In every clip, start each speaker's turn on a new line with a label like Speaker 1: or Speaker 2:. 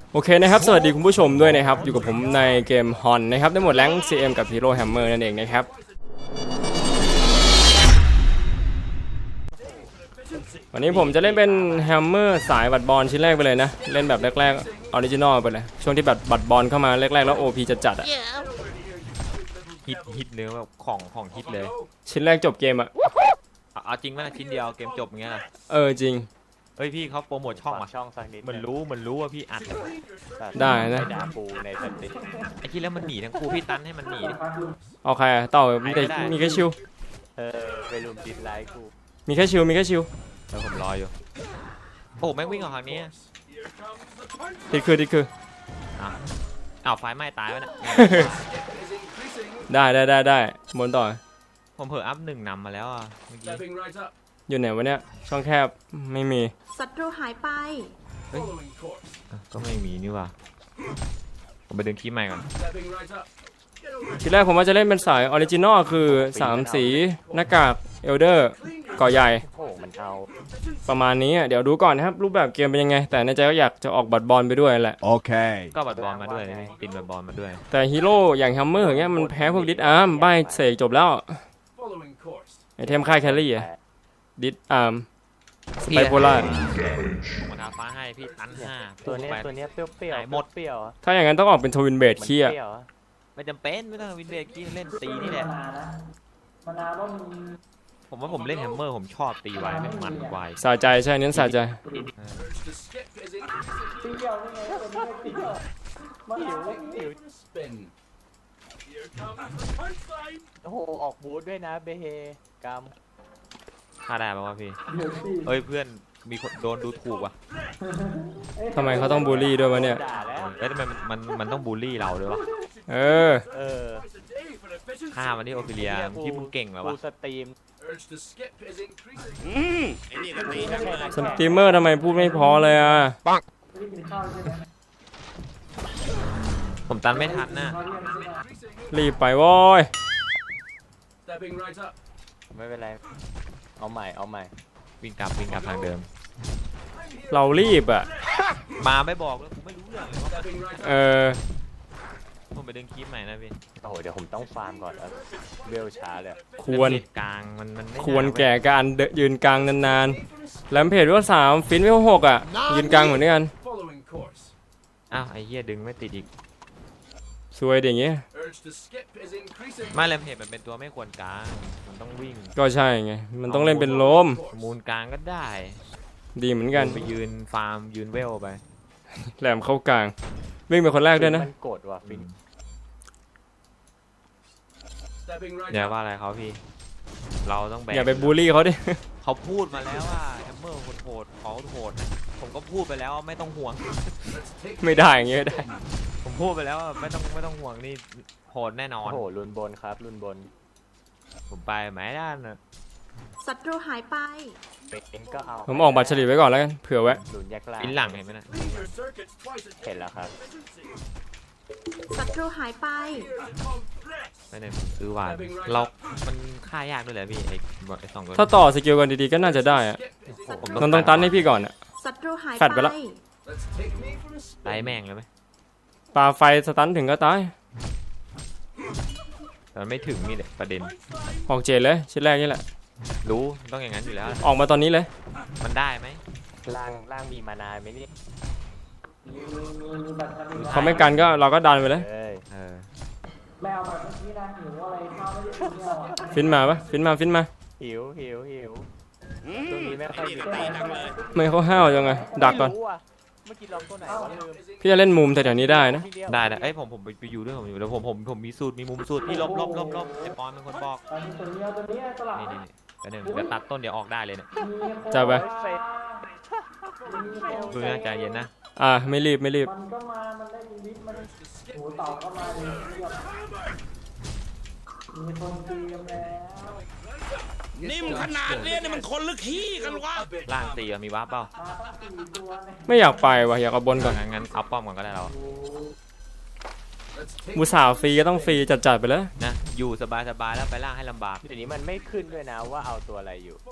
Speaker 1: โอเคนะครับสวัสดีคุณผู้ชมด้วยนะครับอยู่กับผมในเกมฮอนนะครับได้หมดแรง CM กับ Hero Hammer นั่นเองนะครับวันนี้ผมจะเล่นเป็น Hammer สายบัตรบอลชิ้นแรกไปเลยนะเล่นแบบแรกๆออริจินอลไปเลยช่วงที่บัตรบอลเข้ามาแรกๆแล้ว OP จะจัดอ่ะ
Speaker 2: ฮิตเนื้อแบบของฮิตเลย
Speaker 1: ชิ้นแรกจบเกมอ่ะ
Speaker 2: เอาจริงไหมชิ้นเดียวเกมจบอย่างเงี้ยนะ
Speaker 1: จริง
Speaker 2: เฮ้ยพี่เขาโปรโมทช่องอ่ะ
Speaker 3: ช่องสักนิด
Speaker 2: มันรู้ว่าพี่อัด
Speaker 1: ได้นะ
Speaker 3: ดาปูในสติ
Speaker 2: ไอ้ที่แล้วมันหนีทั้งคู่พี่ตันให้มันหนีดิ
Speaker 1: โอเคต่อมีแค่ชิว
Speaker 3: ไปรุมดิสไลค์กู
Speaker 1: มีแค่ชิว
Speaker 2: แล้วผมรออยู่โอ้แม่งวิ่งออกทางนี้
Speaker 1: ติดคือ
Speaker 2: อ้าวไฟไหม้ตายวะเนี่ย
Speaker 1: ได้บนต่อ
Speaker 2: ผมเผลออัพ1นำมาแล้วอ่ะเมื่อกี้
Speaker 1: อยู่ไหนวะเนี่ยช่องแคบไม่มี
Speaker 4: ศัตรูหายไป
Speaker 2: ก็ไม่มีนี่ว่ะผมไปดึงคีย์ใหม่ก่อน
Speaker 1: ทีแรกผมว่าจะเล่นเป็นสายออริจินอลคือ3สีหน้ากากเอลเดอร์ก่อใหญ่
Speaker 3: มันเอา
Speaker 1: ประมาณนี้เดี๋ยวดูก่อนนะครับรูปแบบเกมเป็นยังไงแต่ในใจก็อยากจะออกบัตรบอลไปด้วยแหละ
Speaker 5: โอเค
Speaker 2: ก็บัตรบอลมาด้วยตินบัตรบอลมาด้วย
Speaker 1: แต่ฮีโร่อย่างแฮมเมอร์อย่างเงี้ยมันแพ้พวกดิสอาร์มใบเสกจบแล้วไอเทมค่ายแคลรี่อะดิสอาร์มสไปโพล่า
Speaker 2: ผมทาฟ้าให้พี่ตัน5
Speaker 3: ตัวนี้เปรี้ยว
Speaker 2: หมด
Speaker 3: เปรี้ยว
Speaker 1: ถ้าอย่างนั้นต้องออกเป็นทวินเบดขี้อะ
Speaker 2: ไม่จำเป็นไม่ต้องวินเบดกี้เล่นตีนี่แหละผมว่าผมเล่นแฮมเมอร์ผมชอบตีไวแม่งมันไว
Speaker 1: สะใจใช่เน้นสะใจ
Speaker 3: โอ้โหออกบูธด้วยนะเบเฮกาม
Speaker 2: ฆ่าได้ป่าวพี่เอ้ยเพื่อนมีคนโดนดูถูกว่ะ
Speaker 1: ทำไมเขาต้องบูลลี่ด้วยวะเนี่ย
Speaker 2: แล้วทำไมมันต้องบูลลี่เราด้วยวะฆ่ามันที่โอฟิเลียที่มึงเก่งแล้ววะ
Speaker 3: สตรีม
Speaker 1: สตรีมเมอร์ทำไมพูดไม่พอเลยอ่ะ
Speaker 2: ผมตันไม่ทันนะ
Speaker 1: รีบไปโว้ย
Speaker 3: ไม่เป็นไรเอาใหม่
Speaker 2: วิ่งกลับทางเดิม
Speaker 1: เรารีบอ่ะ
Speaker 2: มาไม่บอกแล้วผมไม่รู้เรื่องเลยผมไปดึงคีบใหม่นะพี่
Speaker 3: โอ้โหเดี๋ยวผมต้องฟาร์มก่อนแล้วเบลช้าเลย
Speaker 1: ควร
Speaker 2: กลางมัน
Speaker 1: ควรแก่การยืนกลางนานๆแลมเพจว่า3ฟินว่า6อ่ะยืนกลางเหมือนกัน
Speaker 2: อ้าวไอ้เหี้ยดึงไม่ติดอีก
Speaker 1: สวยอย่างเงี้ย
Speaker 2: ไม่แลมเพจมันเป็นตัวไม่ควรกลางมันต้องวิ่ง
Speaker 1: ก็ใช่ไงมันต้องเล่นเป็นโลม
Speaker 2: มูลกลางก็ได้
Speaker 1: ดีเหมือนกัน
Speaker 2: ไปยืนฟาร์มยืนเวลไป
Speaker 1: แหลมเข้ากลางวิ่งเป็นคนแรกด้วยนะ
Speaker 3: มันกดว่ะฟิน
Speaker 2: อย่าว่าอะไรเขาพี่เราต้องแบก
Speaker 1: อย่าไปบูลลี่เขาดิ
Speaker 2: เขาพูดมาแล้วว่าแฮมเมอร์โหดเขาโหดผมก็พูดไปแล้วไม่ต้องห่วง
Speaker 1: ไม่ได้อย่างเงี้ยได้
Speaker 2: ผมพูดไปแล้วไม่ต้องห่วงนี่โหดแน่นอน
Speaker 3: โอ้โหรุนบนครับรุนบน
Speaker 2: ผมไปหมายด้านนะ
Speaker 4: ศัตรูหายไป
Speaker 3: ก็เอา
Speaker 1: ผมออกบัตรเฉลี่ยไว้ก่อนแล้วกันเผื่อไว้
Speaker 2: อินหลังเห็นไหมนะ
Speaker 3: เห็นแล้วครับ
Speaker 4: ศัตรูหายไป
Speaker 2: ไม่ได้ซื้อหวานเรามันฆ่ายากด้วยแหละพี่ไอ้2ตัว
Speaker 1: ถ้าต่อสกิลกันดีๆก็น่าจะได้อะต้องตันให้พี่ก่อนอะแฟดไปแล้ว
Speaker 2: ไล่แม่งเลยไหม
Speaker 1: ปาไฟสตันถึงก็ตาย
Speaker 2: แต่ไม่ถึงนี่แหละประเด็น
Speaker 1: ออกเจนเลยชิ้นแรกนี่แหละ
Speaker 2: รู้ต้องอย่างนั้นอยู่แล้ว
Speaker 1: ออกมาตอนนี้เลย
Speaker 2: มันได้ไหม
Speaker 3: ล่างมีมานานไหมนี่
Speaker 1: เขาไม่กันก็เราก็ดันไปเลยฟินมาปะฟินมา
Speaker 3: หิวตรงนี้ไม่ค่อยมี
Speaker 1: ไม่เขาห้าวยังไงดักก่อนพี่จะเล่นมุมแต่แถวนี้ได้นะ
Speaker 2: ได้เอ้ยผมไปอยู่ด้วยผมอยู่แล้วผมมีสูตรมีมุมสูตรที่ลบไอ้ปอนเป็นคนบอกนี่เดี๋ยวตัดต้นเดี๋ยวออกได้เลยเนี่ย
Speaker 1: จับไป
Speaker 2: ดูนะใจเย็นนะ
Speaker 1: ไม่รีบมันได้วิทมันโหต่อก็มาเลยมีคนเตรียมแล้ว
Speaker 6: นิ่มขนาดนี้นี่มันคนลึกขี้กันวะ
Speaker 2: ล่างตีมีวาร์ปเปล่า
Speaker 1: ไม่อยากไปว่ะอยากเอาบนก่อน
Speaker 2: งั้นเอาป้อมก่อนก็ได้เรา
Speaker 1: มูสาวฟรีก็ต้องฟรีจัดไปแล้ว
Speaker 2: นะอยู่สบายแล้วไปล่างให้ลำบาก
Speaker 3: ทีนี้มันไม่ขึ้นด้วยนะว่าเอาตัวอะไรอยู่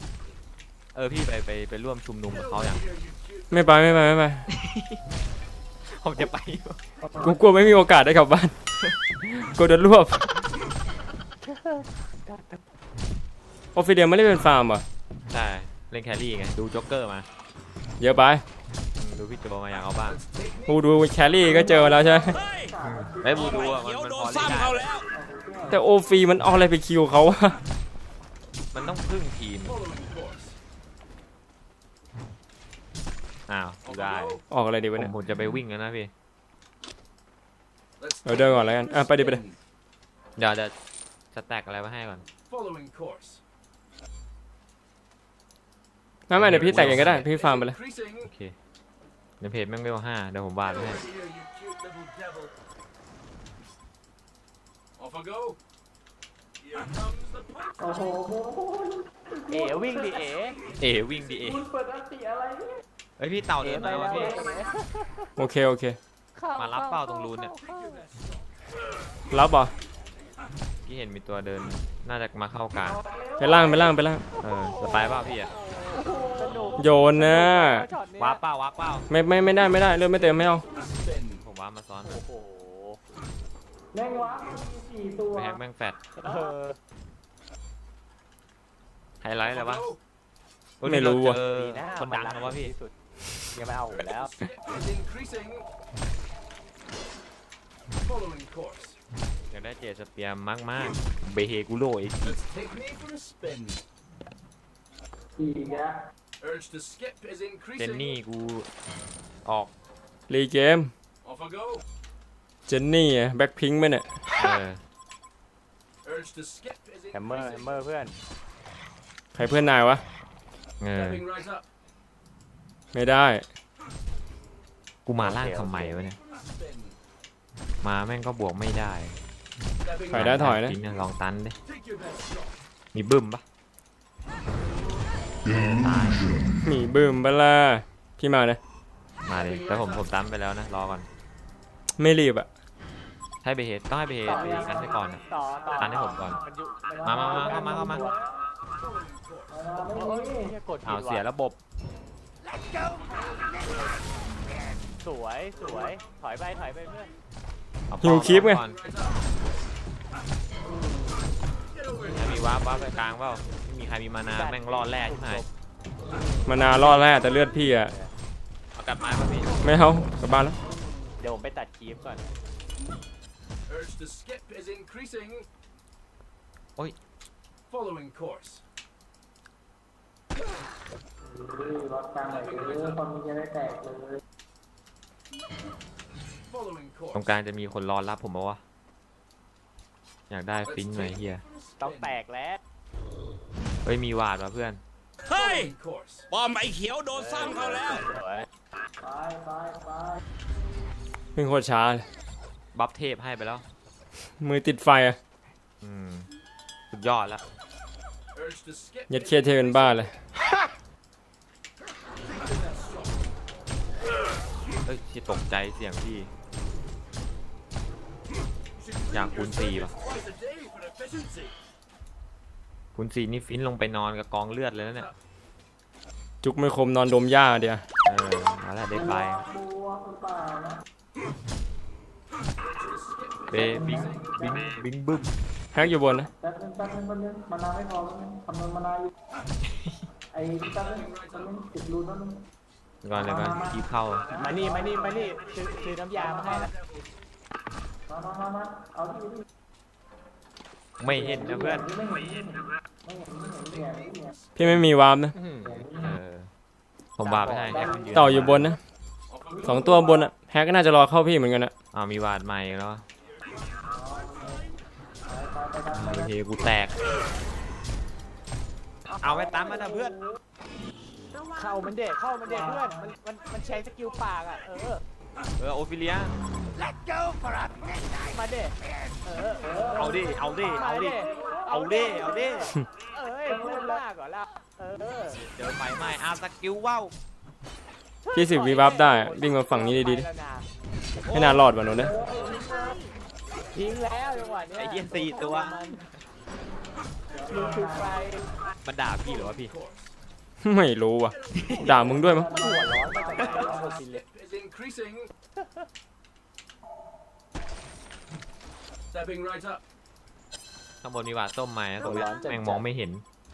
Speaker 2: พี่ไปร่วมชุมนุมกับเขาอย่าง
Speaker 1: ไม่ไป
Speaker 2: ผมจะไป
Speaker 1: กูกลัวไม่มีโอกาสได้กลับบ้าน กูโดนรวบออฟฟิเดียไม่ได้เป็นฟาร์มเหรอ
Speaker 2: ใช่เล่นแครี่ไงดูจ็อกเกอร์มา
Speaker 1: เยอะไป
Speaker 2: ดูพี่โจมาอยากเอาบ้าง
Speaker 1: กูดูแครี่ก็เจอมาแล้วใช่ไหม
Speaker 6: เฮ้ย
Speaker 2: ไอ้บูดูอ่ะ
Speaker 6: เขียว
Speaker 2: มัน
Speaker 6: โด
Speaker 2: พ
Speaker 6: น
Speaker 2: อเล่น
Speaker 6: ซ้ำ
Speaker 2: ได้
Speaker 6: เขาแล้ว
Speaker 1: แต่โอฟีมันเอาอะไรไปคิวเขาวะ
Speaker 2: มันต้องพึ่งทีมอ้าวกูได้
Speaker 1: ออกอะไรดี
Speaker 2: ผ
Speaker 1: วะ
Speaker 2: ม
Speaker 1: เนี่ย
Speaker 2: ผมจะไปวิ่งแล้วนะพี่
Speaker 1: เดินก่อนแล้วกันไปดิไปดิ
Speaker 2: เดี๋ยวจะสแต็กอะไรมาให้ก่อน
Speaker 1: ไม่เดี๋ยวพี่แต่งเองก็ได้พี่ฟาร์มไปเลย
Speaker 2: โอเคในเพจแม่งเวล5เดี๋ยวผมวาดไว้ให้
Speaker 3: โอ้โหเอ๋วิ่งดิเอ๋
Speaker 2: เอ๋วิ่งดิเอ๋เฮ้ยพี่เต่าเดินมาวะพี่
Speaker 1: โอเคโอเค
Speaker 2: มารับเป้าตรงรูนเนี่ย
Speaker 1: รับเหรอ
Speaker 2: พี่เห็นมีตัวเดินน่าจะมาเข้ากลาง
Speaker 1: ไปล่าง
Speaker 2: จะไปเปล่าพี่อะ
Speaker 3: สนุก
Speaker 1: โยนนะ
Speaker 3: ช็อตเนี้ย
Speaker 2: วาร์ปเปล่าวาร์ปเปล่า
Speaker 1: ไม่ได้เลือดไม่เต็มไม่เอา
Speaker 2: ผมวาร์ปมาซ้อน
Speaker 3: โอ้โห
Speaker 2: ไปแฮกแม่งแฟด
Speaker 3: เออ
Speaker 2: ไฮไลท์อะไรวะ
Speaker 1: ไม่รู้ว่ะ
Speaker 2: เจอ
Speaker 3: ดีนะ
Speaker 2: คนดังนะวะพี่
Speaker 3: ที่สุดยังไม่เอาอยู่แล้ว
Speaker 2: อยากได้เจสเปียร์มากๆเบเฮกุโรอีกเจนนี่กูออก
Speaker 1: รีเกมเจนนี่แบ็คพิงค์ไหมเนี่ย
Speaker 2: เออ
Speaker 3: แฮมเมอร์เพื่อน
Speaker 1: ใครเพื่อนนายวะ
Speaker 2: เออ
Speaker 1: ไม่ได้
Speaker 2: กูมาล่างทำไมวะเนี่ยมาแม่งก็บวกไม่ได้
Speaker 1: ถอยได้ถอยนะ
Speaker 2: จริงนะลองตันดิมีบึ้มปะตาย
Speaker 1: มีบึ้มเบลาพี่มาเลย
Speaker 2: มาเลยแต่ผมตันไปแล้วนะรอก่อน
Speaker 1: ไม่รีบอ่ะ
Speaker 2: ให้เบเฮดต้องให้เบเฮดไปกันให้ก่อนนะ
Speaker 3: ต่อ
Speaker 2: ตันให้ผมก่อน
Speaker 3: นอยู่
Speaker 2: มาเข้ามา
Speaker 3: โอ้ยเนี่ยกดผิด
Speaker 2: อ้าวเสีย
Speaker 3: ว่ะ
Speaker 2: ระบบ
Speaker 3: สวยถอยไปเพื่อน
Speaker 2: เอา
Speaker 1: หิวคลิปไง
Speaker 2: ก่อนถ้ามีวาร์ปไปกลางเปล่าไม่มีใครมีมานาแม่งรอดแรกใช่ไหม
Speaker 1: มานารอดแล้วแต่เลือดพี่อ่ะ
Speaker 2: เอากลับมาป่ะพี่
Speaker 1: ไม่เอากลับบ้านแล้ว
Speaker 3: เดี๋ยวผมไปตัดคลิปก่อน
Speaker 2: ตรงกลางจะมีคนรอรับผมปะวะอยากได้ฟินหน่อยเฮีย
Speaker 3: ต้องแตกแล้ว
Speaker 2: เฮ้ยมีวาดว่ะเพื่อน
Speaker 6: เฮ้ยป้อมไอ้เขียวโดนซ้ำเขาแล้ว
Speaker 3: สวย
Speaker 1: เพิ่งโคตรช้าเลย
Speaker 2: บัฟเทพให้ไปแล้ว
Speaker 1: มือติดไฟอ่ะ
Speaker 2: สุดยอดแล้ว
Speaker 1: ยัดเคเทเป็นบ้าเลย
Speaker 2: เฮ้ยที่ตกใจเสียงพี่อยากคูณ4ป่ะคูณ4นี่ฟินลงไปนอนกับกองเลือดเลยนะเนี่ย
Speaker 1: จุกไม่คมนอนดมหญ้าเดียว
Speaker 2: เอาละได้ไปเบบิงบึ้ม
Speaker 1: แฮกอยู่บนนะ
Speaker 2: ก่อนเลยก่อนคีบเข้า
Speaker 3: มานี่ซื้อน้ำยามาให้แล้ว
Speaker 2: ไม่เห็นนะเพื่อน
Speaker 1: พี่ไม่มีวาร์มนะ
Speaker 2: ผมวาดไปให้แฮกมันยืน
Speaker 1: เต่าอยู่บนนะ2 ตัวบนอ่ะแฮกก็น่าจะรอเข้าพี่เหมือนกันนะ
Speaker 2: มีวาดใหม่แล้วเฮกูแตกเอาไปตามมานะเพื่อน
Speaker 3: เข้ามันเด็กเพื่อนมันใช้สกิลปากอ่ะ
Speaker 2: โอฟิเลีย
Speaker 3: มาเด็ก
Speaker 2: เอาดิ
Speaker 3: เอ้ยพูดมากก่อนละ
Speaker 2: เจอไฟไหม้สกิลว้าว
Speaker 1: พี่10 วีวาร์ปได้อะวิ่งมาฝั่งนี้ดีๆดิไม่น่ารอดว่ะหนูนะ
Speaker 3: ทิ้งแล้วจังหวะเนี้ย
Speaker 2: ไอ้เหี้ย4 ตัว
Speaker 3: ลุกขึ้นไป
Speaker 2: มันด่าพี่หรือว่าพี่
Speaker 1: ไม่รู้ว่ะด่ามึงด้วยมั้ง
Speaker 3: มันหัวร้อนมาจากไหนเอาหมดสิเลย
Speaker 6: is increasing. Stepping right up.
Speaker 2: ข้างบนมีหวาดส้มไหมตรงนี้แม่งมองไม่เห็น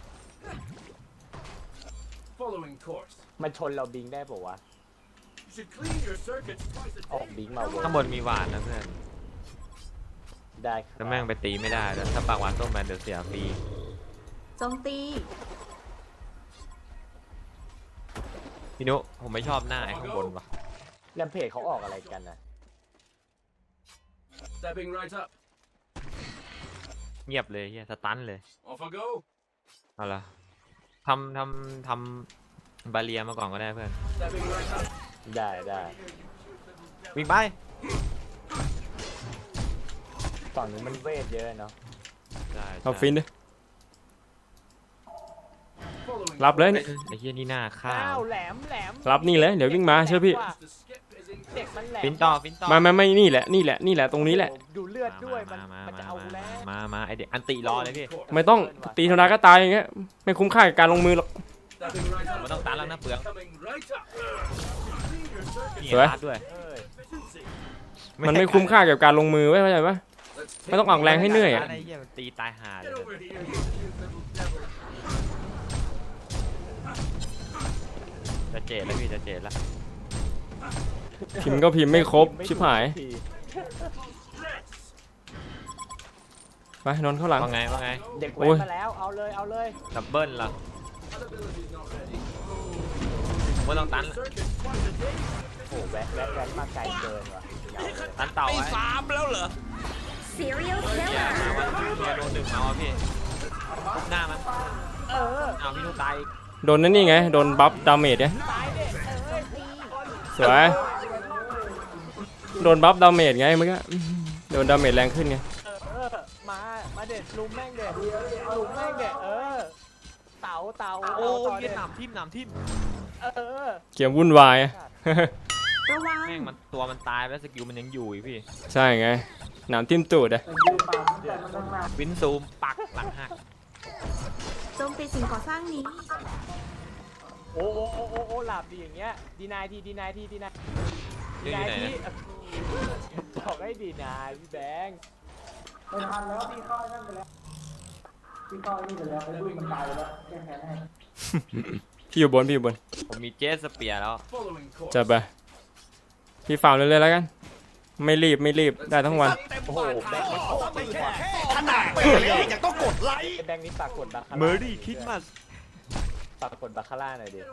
Speaker 6: Following course.
Speaker 3: มันชนเราบิงได้ปะวะ
Speaker 6: You should clean your circuits twice a
Speaker 3: ออก
Speaker 6: day.
Speaker 3: บิงมาเว
Speaker 2: ข้างบนมีหวาดนะเพื่อน
Speaker 3: ได้ครับ
Speaker 2: แล้วแม่งไปตีไม่ได้แล้วถ้าปากหวาดส้มมาเดี๋ยวเสียฟรี
Speaker 4: โจมตี
Speaker 2: พี่นุผมไม่ชอบหน้าไอ้ข้างบนว่ะ
Speaker 3: แรมเพจเขาออกอะไรกันนะ
Speaker 6: Stepping right up.
Speaker 2: เงียบเลยเฮียสตันเลย
Speaker 6: Off I go.
Speaker 2: เอาละทำบาเรียมาก่อนก็ได้เพื่อน
Speaker 6: Stepping right up.
Speaker 3: ได้
Speaker 2: วิ่งไป
Speaker 3: ฝั่งนี้มันเวทเยอะเนาะ
Speaker 2: ได้
Speaker 1: เอาฟินดิ
Speaker 6: Following
Speaker 1: รับเลยเนี่ย
Speaker 2: ไอ้เฮียนี่หน้าข้า
Speaker 3: อ้าว วแหลม
Speaker 1: รับนี่เลยเดี๋ยววิ่งมาเชื่อพี่
Speaker 6: course. The skip is in.
Speaker 3: เด็กมันแหลม
Speaker 2: ฟินต่อฟินต่อ
Speaker 1: ไม่นี่แหละตรงนี้แหละ
Speaker 3: ดูเลือดด้วยมันจะเอาแล้ว
Speaker 2: มาไอเด็กอันติรอเลยพี่
Speaker 1: ไม่ต้องตีธรรมดาก็ตายอย่างเงี้ยไม่คุ้มค่ากับการลงมือหรอก
Speaker 6: Stepping right up.
Speaker 2: มันต้องตันแล้วนะเปลือง
Speaker 6: Coming right up. Clean your circuits.
Speaker 2: นี่
Speaker 1: สวย
Speaker 2: รัดด้วย
Speaker 3: เอ้ย
Speaker 6: Efficiency.
Speaker 1: มันไม่คุ้มค่ากับการลงมือไว้เข้าใจปะ
Speaker 6: Let's
Speaker 1: ไม่ต้องออกแรงให้เหนื่อยอะ
Speaker 2: ไอ้เหี้ยมันตีตายห่าเลย
Speaker 6: Get over here, you little devil.
Speaker 2: จะเจ็ดแล้วพี่จะเจ็ดแล้ว
Speaker 1: พิมพ์ก็พิมพ์ไม่ครบชิบหาย
Speaker 3: ที
Speaker 1: ไปนอนเข้าหลัง
Speaker 2: ว่าไง
Speaker 3: เด็ก
Speaker 1: โอ้
Speaker 3: แว้น
Speaker 1: ย
Speaker 3: มาแล้วเอาเลย
Speaker 2: ดับเบิ้ลล่ะ
Speaker 6: Ability's not ready.
Speaker 2: ผมว่าต้องตัน
Speaker 6: Circuits twice a day.
Speaker 3: โอ้โหแว้นมาไกลเกินว่ะยาวเลย
Speaker 2: ตันเต่าไว้
Speaker 4: Serial
Speaker 2: เฮีย
Speaker 4: Killer
Speaker 2: มาวันเฮียโดนดึงมาว่ะพี่ทุบหน้ามัน
Speaker 3: เออ
Speaker 2: เอาพี่นุตายอีก
Speaker 1: โดนนั่นนี่ไงโดนบัฟดาเมจเนี่ย
Speaker 3: ตายเด็กตี
Speaker 1: สวยโดนบัฟดาเมจไงเมื่อกี้โดนดาเมจแรงขึ้นไง
Speaker 3: มาเด็ดลุมแม่งเด็ดลุมแม่งเด็ดเต่า
Speaker 2: โอ้
Speaker 3: ต่
Speaker 2: เวียดนามทิ่ม
Speaker 1: เกมวุ่นวายอะ
Speaker 4: ระวัง
Speaker 2: แม่งมันตัวมันตายไปแล้วสกิลมันยังอยู่อีกพี่
Speaker 1: ใช่ไงหนามทิ่มตูดอะ
Speaker 2: วินซูมปักหลังหัก
Speaker 4: โจมตีสิ่งก่อสร้างนี้
Speaker 3: โอ้หลับดีอย่างเงี้ยดีนายที
Speaker 2: เรื่องอยู่ไหนนะ
Speaker 3: บอกให้ดีนายพี่แบงค์
Speaker 1: พี่อยู่บน
Speaker 2: ผมมีเจสสเปียร์แล้ว
Speaker 6: Following course.
Speaker 1: จะไปพี่ฝ่าเรื่อยๆแล้วกัน ไม่รีบได้ทั้งวัน
Speaker 3: โอ้โหแบงค์
Speaker 6: ขนาดเป็นเลยยังต้องกดไลค์
Speaker 3: แบงค์นี่ฝากกดบาคาร่า
Speaker 2: เมอร์รี่คิดมาส
Speaker 3: ฝากกดบาคาร่าหน่อยดิ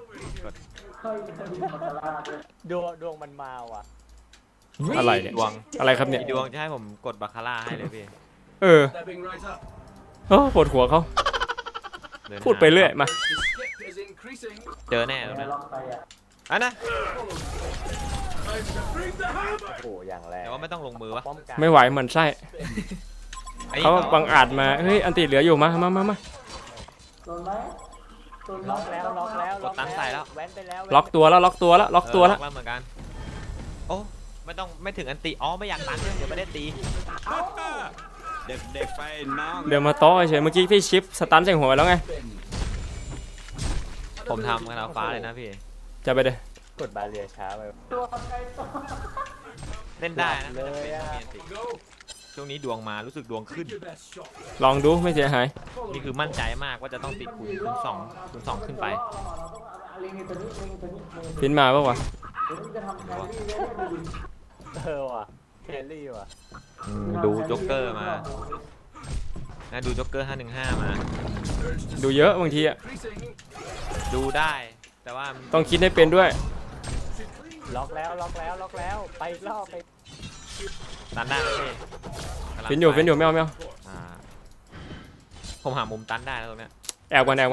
Speaker 3: ดวงมันมาว่ะ
Speaker 1: อะไรเนี่ย
Speaker 2: ดวง
Speaker 1: อะไรครับเนี่ย
Speaker 2: มีดวงจะให้ผมกดบาคาร่าให้เลยพี่
Speaker 1: เออ
Speaker 6: Stepping right up.
Speaker 1: โอ้ปวดหัวเขา
Speaker 2: เน
Speaker 1: พูดไปเรื่อยมา
Speaker 6: The skip is increasing.
Speaker 2: เจอแน่ตรงนั้นอันนะ
Speaker 6: Time to bring the hammer.
Speaker 3: โอ้โหอย่างแรง
Speaker 2: แต่ว่าไม่ต้องลงมือวะ
Speaker 3: ป้อมกัน
Speaker 1: ไม่ไหวเหมือนไส้
Speaker 2: ไอ้
Speaker 1: เขาบังอาจมาเฮ้ยอันติเหลืออยู่มา
Speaker 3: ล็อกแล้วแว้นไปแล้ว
Speaker 1: ล็อกตัวแล้วล็อกตัวแล้ว
Speaker 2: ล็อกแล้วเหมือนกันโอ้ไม่ถึงอันติอ๋อไม่อยากตันเดี๋ยวไม่ได้ตี
Speaker 6: เด็กๆไปน้อง
Speaker 1: เดี๋ยวมาโต้เฉยเมื่อกี้พี่ชิปสตันใส่หัวไปแล้วไง
Speaker 2: ผมทำกระดาษฟ้าเลยนะพี่
Speaker 1: จะไปเด้
Speaker 3: กดบาเรียช้าไป
Speaker 2: เล่นได้นะ
Speaker 3: เลยอะ
Speaker 2: ไม่จำเป็นต้องมีอันติช่วงนี้ดวงมารู้สึกดวงขึ้น
Speaker 6: Your best shot.
Speaker 1: ลองดูไม่เสียหาย
Speaker 2: นี่คือมั่นใจมากว่าจะต้องติดคูณสองขึ้นไป
Speaker 1: ฟินมาปะวะ
Speaker 3: ว่ะเคลลี่ว่ะ
Speaker 2: ดูจ็อกเกอร์มานะดูจ็อกเกอร์515มา
Speaker 1: ดูเยอะบางทีอะ
Speaker 6: Increasing.
Speaker 2: ดูได้แต่ว่า
Speaker 1: ต้องคิดให้เป็นด้วย
Speaker 3: ล็อกแล้วไปอีกรอบไป
Speaker 2: ตันได้ไหมพี่กำลัง
Speaker 1: ฟินอยู่
Speaker 2: ไป
Speaker 1: ไม่เอา
Speaker 2: อ่าผมหามุมตันได้แล้วตรงเนี้ย
Speaker 1: แอบก่อน
Speaker 6: Skip is in.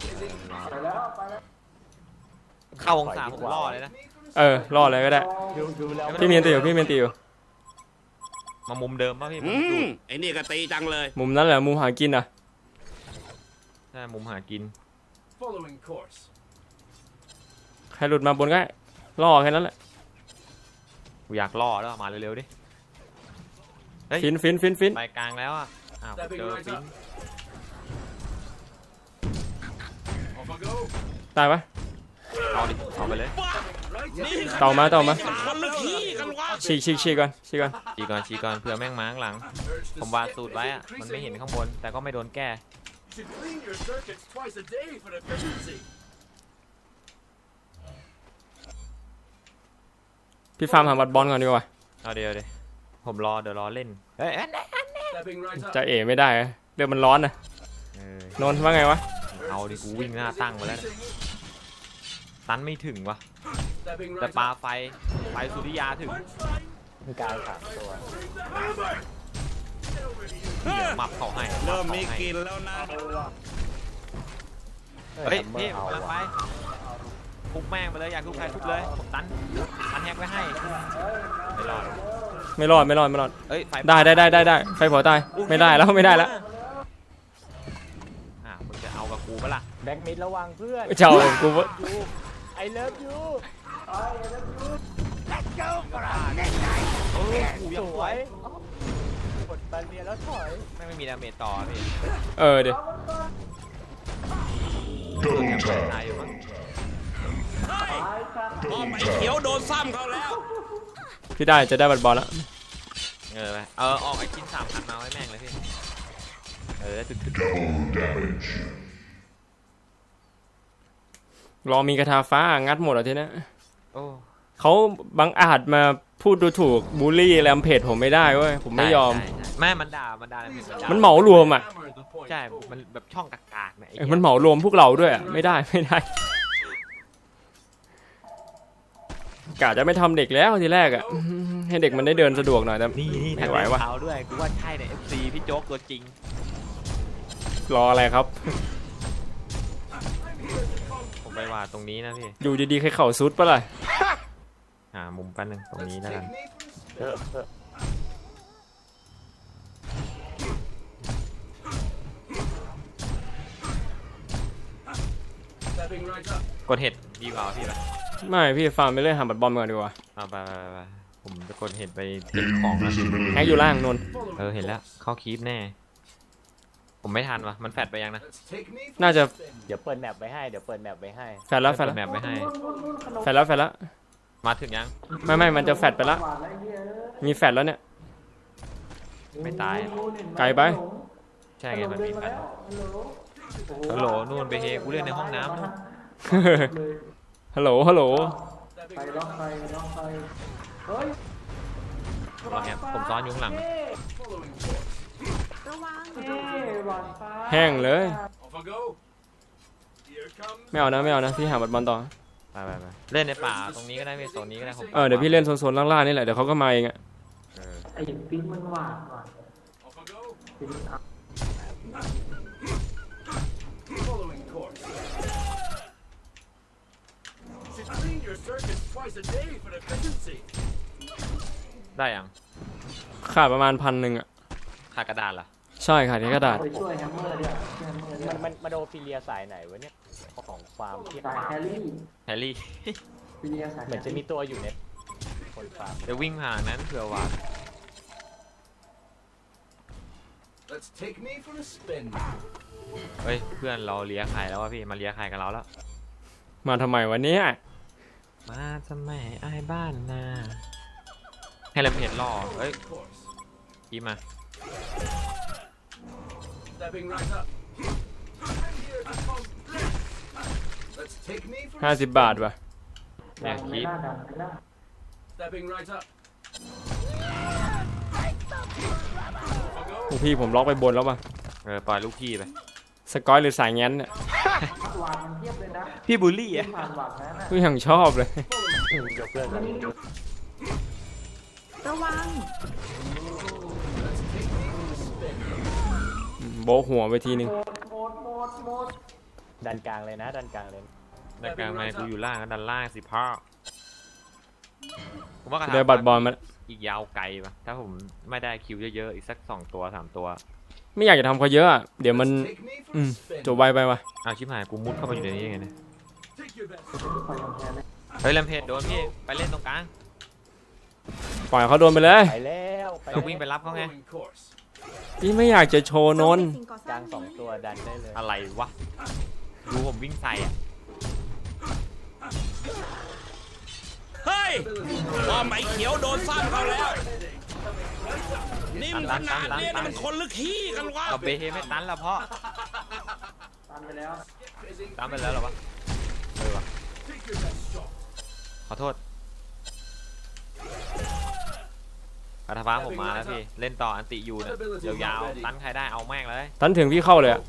Speaker 2: เข้าวงศาผมล่อเลยนะ
Speaker 1: รอเลยก็ได้
Speaker 3: ดูแล้ว
Speaker 1: พี่เมียนตีอยู่
Speaker 2: มามุมเดิมป่ะพี่ผมดู
Speaker 6: ไอ้นี่ก็ตีจังเลย
Speaker 1: มุมนั้นแหละมุมหากินอ่ะ
Speaker 2: ใช่มุมหากิน
Speaker 6: Following course.
Speaker 1: ใครหลุดมาบนก็ได้ล่อแค่นั้นแหละ
Speaker 2: กูอยากล่อแล้วมาเร็วๆดิเฮ้ย
Speaker 1: ฟิน
Speaker 2: ไปกลางแล้วอ่ะอ้าวเจอฟิน
Speaker 6: Off I go.
Speaker 1: ตายปะ
Speaker 2: เอาดิเอาไปเลย
Speaker 6: นี่
Speaker 1: เต่ามา
Speaker 6: คนละที่กันวะ
Speaker 1: ฉีกก่อน
Speaker 2: ชี้ก่อนเผื่อแม่งมาข้างหลัง ผมวางสูตรไว้อะมันไม่เห็นข้างบน แต่ก็ไม่โดนแก้
Speaker 5: Should clean your circuits twice a day for efficiency.
Speaker 1: พี่ฟาร์มหาบัตรบอลก่อนดีกว่า
Speaker 2: เอาเดี๋ยวผมเดี๋ยวรอเล่นเอ้ย
Speaker 5: Stepping right up.
Speaker 1: จะเอ๋ไม่ได้อะเรื่องมันร้อนนะ
Speaker 2: เออ
Speaker 1: นนท์ว่าไงวะ
Speaker 2: เอาดิกูวิ่งหน้าตั้งมาแล้วนะตันไม่ถึงวะ
Speaker 5: Stepping
Speaker 2: แต่
Speaker 5: right
Speaker 2: ปลา
Speaker 5: up.
Speaker 2: ไฟสุริยาถึง
Speaker 3: มีการสามตัว
Speaker 2: เดี๋ยวหมับเขาให้
Speaker 6: เริ่มมีกลินแล้วนะ
Speaker 2: เฮ้ย
Speaker 3: เมื่
Speaker 2: พี่
Speaker 3: อ
Speaker 2: ผม
Speaker 3: เอา
Speaker 2: กำลังไป
Speaker 3: ว่ะ
Speaker 2: ทุบแม่งไปเลยอยากทุบใครทุบเลยผมตันแฮกไว้ให้ไม่รอด
Speaker 1: ไม่รอด
Speaker 2: เอ้ยไฟ
Speaker 1: ได้ไฟเผาตายไม่ได้แล้ว
Speaker 2: อ่ะมึงจะเอากับกูปะล่ะ
Speaker 3: แบ็กมิดระวังเพื่อน
Speaker 1: เจ้ากู
Speaker 3: ยูไอเลิฟยู
Speaker 2: เออกู
Speaker 3: ส
Speaker 2: ยัง
Speaker 3: วย กดบาเรียแล้วถอย
Speaker 2: ไม่มีดาเมจต่อพี่
Speaker 1: เดี๋ยว
Speaker 2: ตายอยู่มั้ง
Speaker 6: ป้อมไอ้เขียวโดนซ้ำเขาแล้ว
Speaker 1: พี่จะได้บัตรบอลแล้ว
Speaker 2: ไปออกไอ้ชิ้น3,000มาไว้แม่งเลยพี่ถึก
Speaker 1: รอมีกระทาฟ้างัดหมดแล้วทีเนี้ย
Speaker 2: โอ้
Speaker 1: เขาบังอาจมาพูดดูถูกบูลลี่แรมเพจผมไม่ได้เว้ยผมไม่ยอม
Speaker 2: ใช่แม่มันด่ามัน
Speaker 1: เหมารวมอ่ะ
Speaker 5: Hammer the point.
Speaker 2: ใช่มันแบบช่องกากๆเนี่ยไอ้
Speaker 1: มันเหมารวมพวกเราด้วยอะไม่ได้กะจะไม่ทำเด็กแล้วทีแรกอ่ะให้เด็กมันได้เดินสะดวกหน่อยแต่
Speaker 2: นี่
Speaker 1: ไม่ไหววะ
Speaker 2: เท้าด้วยกูว่าใช่เนี่ย FC พี่โจ๊กตัวจริง
Speaker 1: รออะไรครับ
Speaker 2: ผมไปว่าตรงนี้นะพี่
Speaker 1: อยู่ดีๆใครเข่าซุดปะล่ะ
Speaker 2: มุมแป๊บนึงตรงนี้
Speaker 5: Let's
Speaker 2: แล้วกัน
Speaker 5: take me for a
Speaker 3: เอ
Speaker 5: spin.
Speaker 3: อ
Speaker 5: Stepping right up.
Speaker 2: กดเห็ดดีกว่าพี่ป่ะ
Speaker 1: ไม่พี่ฟาร์มไปเรื่อยหาบัตรบอลก่อนดีกว่า
Speaker 2: เอาไปผมจะกดเห็ดไปเก็บของนะ
Speaker 1: แฮกอยู่ล่างนนท์
Speaker 5: Following
Speaker 2: เห็นแล้ว
Speaker 5: course.
Speaker 2: เข้าคีปแน่ ผมไม่ทันวะมันแฟดไปยังนะ
Speaker 5: Let's take me for
Speaker 1: น่า
Speaker 5: a
Speaker 1: จะ
Speaker 5: spin.
Speaker 3: เดี๋ยวเปิดแมปไว้ให้ เดี๋ยวเปิดแมปไว้ให้
Speaker 1: แฟดแล้ว
Speaker 2: แมปไว้ให้
Speaker 1: แฟดแล้ว
Speaker 2: มาถึงยัง
Speaker 1: ไม่มันจะแฟดไปละมีแฟดแล้วเนี่ย
Speaker 2: ไม่ตาย
Speaker 1: ไกลไป
Speaker 2: ใช่ไงมันมีแฟดฮัลโหลนู่นไปเฮกูเล่นในห้องน้ำนู่น
Speaker 1: ฮัลโหล
Speaker 5: Stepping right up.
Speaker 2: รอแอบผมซ้อนอยู่ข้างหลัง
Speaker 5: Following course.
Speaker 4: ระวัง
Speaker 1: แห้งเลย
Speaker 5: Off I go. Here comes.
Speaker 1: ไม่เอานะพี่หาบัตรบอลต่อ
Speaker 2: ไปเล่นในป่าตรงนี้ก็ได้พี่โซนนี้ก็ได้ผม
Speaker 1: เดี๋ยวพี่เล่นโซนๆล่างๆนี่แหละเดี๋ยวเขาก็มาเองอะ
Speaker 2: เออ
Speaker 5: Off I go. Following course. Should clean your circuits twice a day for efficiency.
Speaker 2: ได้ยัง
Speaker 1: ขาดประมาณ1,000อะ
Speaker 2: ขาดกระดาษเหรอ
Speaker 1: ใช่ขาดแค่กระดาษ
Speaker 3: มันโดฟิเลียสายไหนวะเนี่ยของฟาร์มที่
Speaker 2: แฮร์รี่
Speaker 3: เหมือนจะมีตัวอยู่ในคนฟาร์ม
Speaker 2: เดี๋ยววิ่งผ่านนั้นเผื่อว่า
Speaker 5: Let's take me for a spin.
Speaker 2: เฮ้ยเพื่อนเราเลียไข่แล้ววะพี่มาเลียไข่กับเราแล้ว
Speaker 1: มาทำไมวันนี้
Speaker 2: มาทำไมไอ้ายบ้านนาให้เราเพจล่อเฮ้ย
Speaker 5: Course.
Speaker 2: กี้มา
Speaker 5: Stepping right up. I'm here to complete. Let's take me for a
Speaker 1: 50 บาทว่ะ
Speaker 2: เนี่ยคีป
Speaker 5: Stepping right up.
Speaker 1: พวกพี่ผมล็อกไปบนแล้วป่ะ
Speaker 2: ปล่อยลูกพี่ไป
Speaker 1: สกอยหรือสายแง้นเนี่ย
Speaker 2: พี่บูลลี่อ่ะ
Speaker 1: พี่ยังชอบเลย
Speaker 3: ยกเลิกแล้ว
Speaker 4: ระวัง
Speaker 1: โบกหัวไปทีนึง
Speaker 3: ดันกลางเลยนะ ดันกลางเลย
Speaker 2: ดันกลางมากูอยู่ล่างก็ดันล่างสิพ่อผมว่ากระ
Speaker 1: เดี๋ยวบัตรบอลมา
Speaker 2: อีกยาวไกลปะถ้าผมไม่ได้คิวเยอะๆอีกสัก2 ตัว 3 ตัว
Speaker 1: ไม่อยากจะทำเขาเยอะอะเดี๋ยวมัน
Speaker 5: Take me for a spin.
Speaker 1: จบไวไปว่ะ
Speaker 2: เอาชิบหายกูมุดเข้าไปอยู่ในนี้ยังไงเนี่ย
Speaker 5: Take your best.
Speaker 2: เฮ้ยแลมเพจโดนพี่ไปเล่นตรงกลาง
Speaker 1: ปล่อยเขาโดนไปเลย
Speaker 3: ไปแล้วไป
Speaker 2: เราวิ่งไปรับเขาไง
Speaker 5: Following course.
Speaker 1: พี่ไม่อยากจะโชว์นนท์
Speaker 4: สิ่งก่อก สร้า
Speaker 3: ลาง ง
Speaker 4: นี้
Speaker 3: 2 ตัวดันได้เลย
Speaker 2: อะไรวะดูผมวิ่งใส่อ่ะ
Speaker 6: เฮ้ยป้อมไอ้เขียวโดนซ้ำเขาแล้วนิ่มขนาดนี้นี่มันคนลึกขี้กันวะ
Speaker 2: เอาเบเฮไม่ตันแล้วเพราะ
Speaker 5: ตันไปแล้ว
Speaker 2: ตันไปแล้วเหรอวะเออวะขอโทษคาถาฟ้าผมมาแล้วพี่เล่นต่ออันติอยู่เนี่ยยาวๆตันใครได้เอาแม่งเลย
Speaker 1: ตันถึงพี่เข้าเลยอะ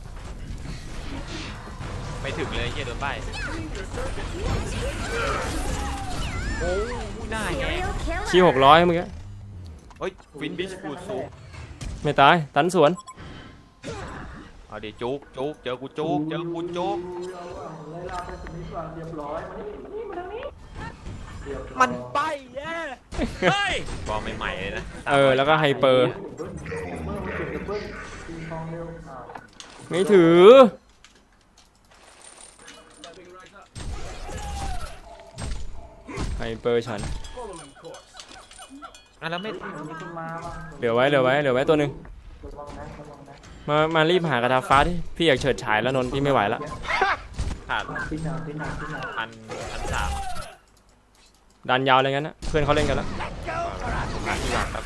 Speaker 2: ไม่ถึงเลยเฮียโดนใบโอ้ยหน้าแหง
Speaker 1: ชี้600เมื่อกี้
Speaker 2: เฮ้ยฟินบิชฟูดสูง
Speaker 1: ไม่ตายตันสวน
Speaker 2: เอาดิจุกจุกเจอกูจุกเจอกูจุก
Speaker 5: เลยลาไปสมิธก่อนเรียบร้อยมานี่มาทางนี้
Speaker 3: มันไปแย่
Speaker 6: เฮ้ย
Speaker 2: บอลใหม่ๆเลยนะ
Speaker 1: แล้วก็ไฮเปอร์
Speaker 5: เบิ้ลเบิ้ลเก็บเบิ้ลตีทองเร็ว
Speaker 1: ไม่ถือไฮเปอร์ฉัน
Speaker 2: อ่ะแล้วไม่
Speaker 5: มีคนมาว่ะ
Speaker 1: เหลือไว้ตัวหนึ่ง
Speaker 5: ระวังนะระวังนะ
Speaker 1: มารีบหากระทาฟ้าที่พี่อยากเฉิดฉายแล้วนนท์พี่ไม่ไหวแล้ว
Speaker 2: ขาด
Speaker 5: ตีหนาตีหนาตีหนา
Speaker 2: พันสาม
Speaker 1: ดันยาวอะไรงั้นนะเพื่อนเขาเล่นกันแล้ว
Speaker 2: ขาดที่หลังครับ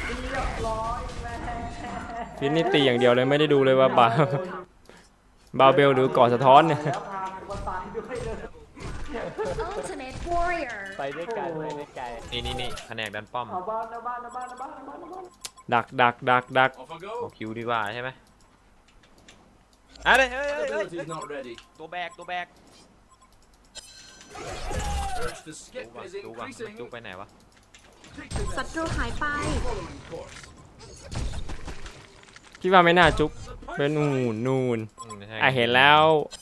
Speaker 1: ฟินนี่ตีอย่างเดียวเลยไม่ได้ดูเลยว่าบาเบลหรือก่อสะท้อนเนี่ย
Speaker 5: แล้วพามาตายด้วยเลย
Speaker 4: Ultimate Warrior
Speaker 3: ไปด้วยกันไปด้วยกัน
Speaker 2: นี่แผนกดันป้อม
Speaker 5: เอาบ้านเอาบ้านเอาบ้านเอาบ้านเอาบ้านเอาบ้าน
Speaker 1: ดัก
Speaker 6: Off I
Speaker 2: เอา
Speaker 6: go.
Speaker 2: คิวดีกว่าใช่ไหมอะไรเฮ้ย
Speaker 6: Ability's not ready.
Speaker 2: ตัวแบก
Speaker 6: Urge to skip is
Speaker 2: ดูก่อน
Speaker 6: increasing.
Speaker 2: จุกไปไหนวะ
Speaker 6: Take the
Speaker 4: ศัตรูหายไป
Speaker 6: following course.
Speaker 1: พี่ว่าไม่น่าจุกเป็นนูน
Speaker 2: ใช่
Speaker 1: เห็นแล้ว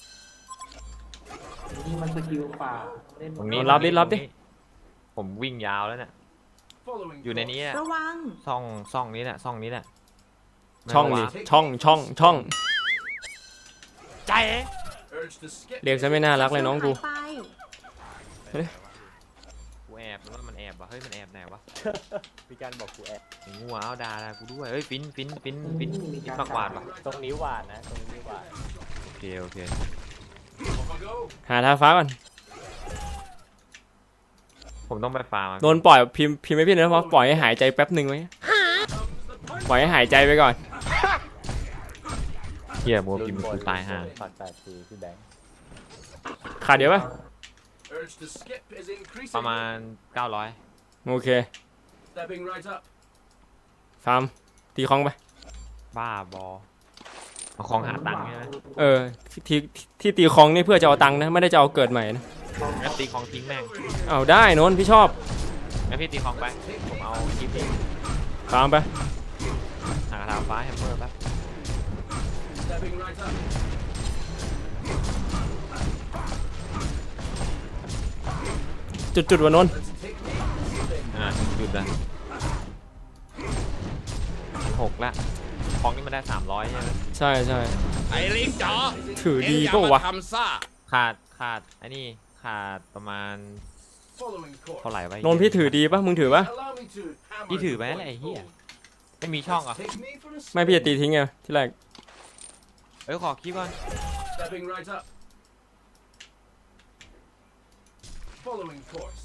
Speaker 5: นี่มันสกิลป่าเล่น
Speaker 2: ตรงนี้
Speaker 1: รับดิ
Speaker 2: ผมวิ่งยาวแล้วเนี่ย
Speaker 6: Following
Speaker 2: อยู่ในนี้
Speaker 6: course.
Speaker 2: อะ
Speaker 4: ระวัง
Speaker 2: ซ่องนี้แหละช่องนี้แหละ
Speaker 1: ช่องดิช่อง
Speaker 2: ใจ
Speaker 6: Urge to skip
Speaker 1: เรียกซะไม่น่ารักเลยน้องกู
Speaker 4: ศัตรูหายไป
Speaker 2: กูแอบหรือว่ามันแอบวะเฮ้ยมันแอบไหนวะ
Speaker 3: มีการบอกกูแอบ
Speaker 2: ไอ้งัวเอาด่ากูด้วยเฮ้ยฟินมากกวาดวะ
Speaker 3: ตรงนี้หวานนะตรงนี้หวาน
Speaker 2: โอเค
Speaker 6: Off I go.
Speaker 1: หาทาฟ้าก่อน
Speaker 2: ผมต้องไปฟาร์ม
Speaker 1: โดนปล่อยพิมพ์ให้พี่นะเพราะปล่อยให้หายใจแป๊บหนึ่งไว้ปล่อยให้หายใจไปก่อน
Speaker 2: เฮียมัวพิมพ์กูตายห่า
Speaker 3: ปัด8 ทีพี่แบงค์
Speaker 1: ขาดเดี๋ยวป่ะ
Speaker 6: Urge to skip is increasing.
Speaker 2: ประมาณ900
Speaker 1: โอเค
Speaker 6: Stepping right up.
Speaker 1: ฟาร์มตีคลองไป
Speaker 2: บ้าบอเอาของหาตังค์ใช่ไหม
Speaker 1: ที่ตีคลองนี่เพื่อจะเอาตังค์นะไม่ได้จะเอาเกิดใหม่นะ
Speaker 2: งั้นตีของทิ้งแม่ง
Speaker 1: เอาได้นนท์พี่ชอบ
Speaker 2: งั้นพี่ตีของไปผมเอาคลิปนี้
Speaker 1: ฟาร์มไป
Speaker 2: หากระทาฟ้าแฮมเมอร์แป๊บ
Speaker 6: Stepping right up.
Speaker 1: จุดวันนนท์
Speaker 6: Let's take me.
Speaker 2: หยุดละ6ละของนี่มันได้300ใช่ไหม
Speaker 1: ใช่
Speaker 6: ไอ้ลิงจ๋อ
Speaker 1: ถือดี
Speaker 6: เอ็งอย่า
Speaker 1: ก็
Speaker 6: มาว
Speaker 1: ะ
Speaker 6: ทำซ่า
Speaker 2: ขาดอันนี้ขาดประมาณ
Speaker 6: Following course.
Speaker 2: เท่าไหร่วะ
Speaker 1: นนท์พี่ถือดีป่ะมึงถือป่ะ
Speaker 6: Allow me to hammer
Speaker 2: พี่ถือ
Speaker 6: the
Speaker 2: ไหม
Speaker 6: point
Speaker 2: ไอ้เหี้ย
Speaker 6: home.
Speaker 2: ไม่มีช่องเหรอ่ะ
Speaker 6: Take me for a
Speaker 1: ไม่พี่จะตีทิ้งไงที่แรก
Speaker 2: ขอคลิปก่อน
Speaker 6: Stepping right up. Following course.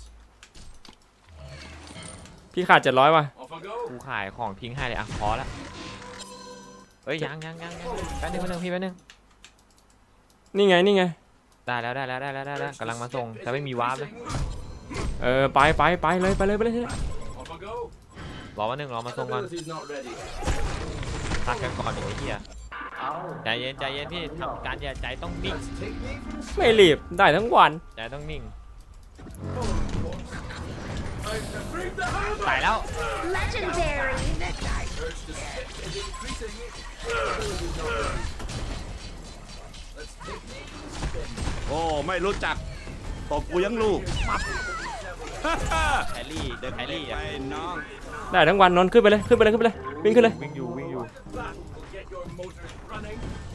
Speaker 1: พี่ขาด700ว่ะ
Speaker 6: Off I go.
Speaker 2: กูขายของทิ้งให้เลยอ่ะพอละเอ้ยยังแป๊บนึงพี่แป๊บนึง
Speaker 1: นี่ไง
Speaker 2: ได้แล้วกำลังมาส่งแต่ไม่มีวาร์ปนะ
Speaker 1: ไปเลย
Speaker 6: Off I go.
Speaker 2: รอวันหนึ่งรอมาส่งก่อน
Speaker 6: Ability's not ready.
Speaker 2: พักกันก่อนดิไอ้เหี้ย
Speaker 5: เอา
Speaker 2: ใจเย็นพี่ทำการใจต้องนิ่ง
Speaker 6: Let's take me for a
Speaker 1: ไม่รีบได้ทั้งวัน
Speaker 2: ใจต้องนิ่ง
Speaker 6: following course. Time to bring the hammer.
Speaker 2: ตายแล้ว
Speaker 4: Legendary
Speaker 6: Urge to skip is increasing. Ability's not ready. Let's take me for a spin.
Speaker 7: โอ้ ไม่รู้จักตบกูยังลูก
Speaker 2: แฮร์รี่เดินแฮร์รี่
Speaker 7: ไป
Speaker 2: อ่ะ
Speaker 7: น้อง
Speaker 1: ได้ทั้งวันนนท์ขึ้นไปเลยวิ่งขึ้นเลย
Speaker 2: วิ่งอยู่
Speaker 6: That will get your motors running.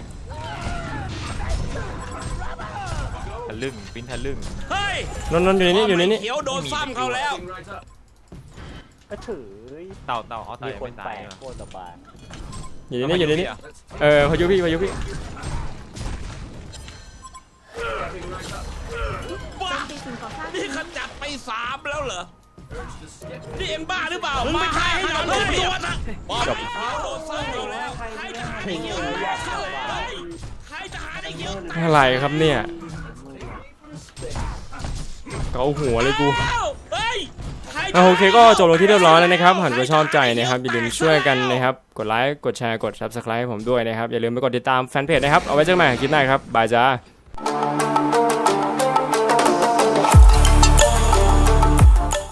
Speaker 2: ทะลึ่งปิ้นทะลึ่ง
Speaker 6: เฮ้ย
Speaker 1: นนท์อยู่ในนี้
Speaker 6: เขียวโดนซ้ำเขาแล้ว
Speaker 3: ก็ถือ
Speaker 2: เต่าเอาเต่า
Speaker 3: มี
Speaker 2: ยัง
Speaker 3: คน
Speaker 2: ไม่
Speaker 3: แป
Speaker 2: ตา
Speaker 3: ล
Speaker 2: ย
Speaker 3: ก
Speaker 2: อ่ะ
Speaker 3: โคตรสบาย
Speaker 1: อยู่ในนี้
Speaker 6: Let's
Speaker 1: พายุพี่
Speaker 6: stepping right up.
Speaker 4: เป็นสิ่งก่อสร้าง
Speaker 6: นี่ขจัด 3แล้วเหรอ นี่เอ็งบ้าหรือเปล่ามึงไม่ใช่ให้หนอนตัวนะป้อมไอ้เขียวโดนสร้างเราแล้วใครจะหาได้เขียวใครจะหาได้เขียว
Speaker 1: อะไรครับเนี่ยเกาหัวเลยกู
Speaker 6: เฮ้ย
Speaker 1: โอเคก็จบลงที่เรียบร้อยแล้วนะครับหากว่าชอบใจนะครับอย่าลืมช่วยกันนะครับกดไลค์กดแชร์กด Subscribe ให้ผมด้วยนะครับอย่าลืมไปกดติดตามแฟนเพจนะครับเอาไว้เจอกันใหม่คลิปหน้าครับบายจ้า